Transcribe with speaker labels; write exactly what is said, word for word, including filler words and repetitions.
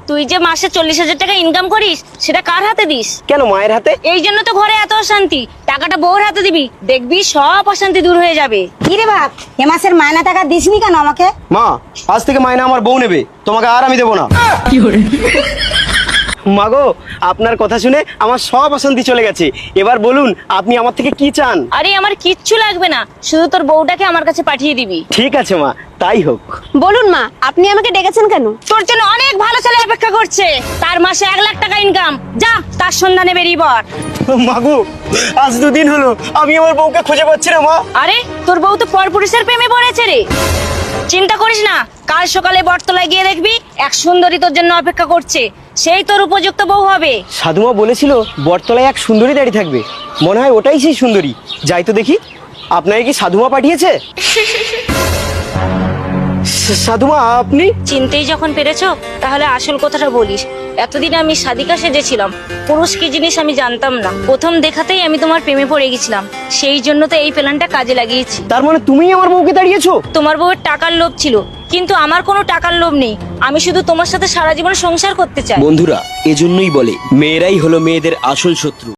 Speaker 1: তুই যে মাসে চল্লিশ হাজার টাকা ইনকাম করিস সেটা কার হাতে দিস?
Speaker 2: কেন মায়ের হাতে?
Speaker 1: এই জন্য তো ঘরে এত অশান্তি। টাকাটা বউর হাতে দিবি, দেখবি সব অশান্তি দূর হয়ে যাবে।
Speaker 3: কি রে বাপ, এ মাসের মায়না টাকা দিসনি কেন আমাকে?
Speaker 2: মা, আজ থেকে মায়না আমার বউ নেবে, তোমাকে আর আমি দেবো না। মাগো, আপনার কথা শুনে আমার সব অশান্তি চলে গেছে। এবার বলুন আপনি আমার থেকে কি চান?
Speaker 1: আরে আমার কিচ্ছু লাগবে না, শুধু তোর বউটাকে আমার কাছে পাঠিয়ে দিবি।
Speaker 2: ঠিক আছে মা, তাই হোক।
Speaker 3: বলুন মা, আপনি আমাকে ডেকেছেন কেন?
Speaker 1: তোর জন্য অনেক ভালো ছেলে অপেক্ষা করছে, তার মাসে এক লাখ টাকা ইনকাম। যা তার সন্ধানে বেরিয়ে পড়।
Speaker 2: মাগো, আজ দুদিন হলো আমি আমার বউকে খুঁজে পাচ্ছি না মা।
Speaker 1: আরে তোর বউ তো পরপুরুষের প্রেমে পড়েছে রে। চিন্তা করিস না, কাল সকালে বটতলায় গিয়ে দেখবি এক সুন্দরী তোর জন্য অপেক্ষা করছে, সেই তোর উপযুক্ত বউ হবে।
Speaker 2: সাধুমা বলেছিল বটতলায় এক সুন্দরী দাঁড়িয়ে থাকবে, মনে হয় ওটাই সেই সুন্দরী। যাই তো দেখি। আপনাকে কি সাধুমা পাঠিয়েছে? সা- সাধুমা আপনি?
Speaker 1: চিনতেই যখন পেরেছো তাহলে আসল কথাটা বলিস। এতদিন আমি সাদিকা সেজেছিলাম, পুরুষ কি জিনিস আমি জানতাম না। প্রথম দেখাতেই আমি তোমার প্রেমে পড়ে গেছিলাম, সেই জন্য তো এই প্ল্যানটা কাজে লাগিয়েছি।
Speaker 2: তার মানে তুমিই আমার বউকে দাঁড়িয়েছো?
Speaker 1: তোমার বউয়ের টাকার লোভ ছিল, কিন্তু আমার কোনো টাকার লোভ নেই। আমি শুধু তোমার সাথে সারা জীবন সংসার করতে চাই।
Speaker 4: বন্ধুরা, এজন্যই বলে মেয়েরাই হলো মেয়েদের আসল শত্রু।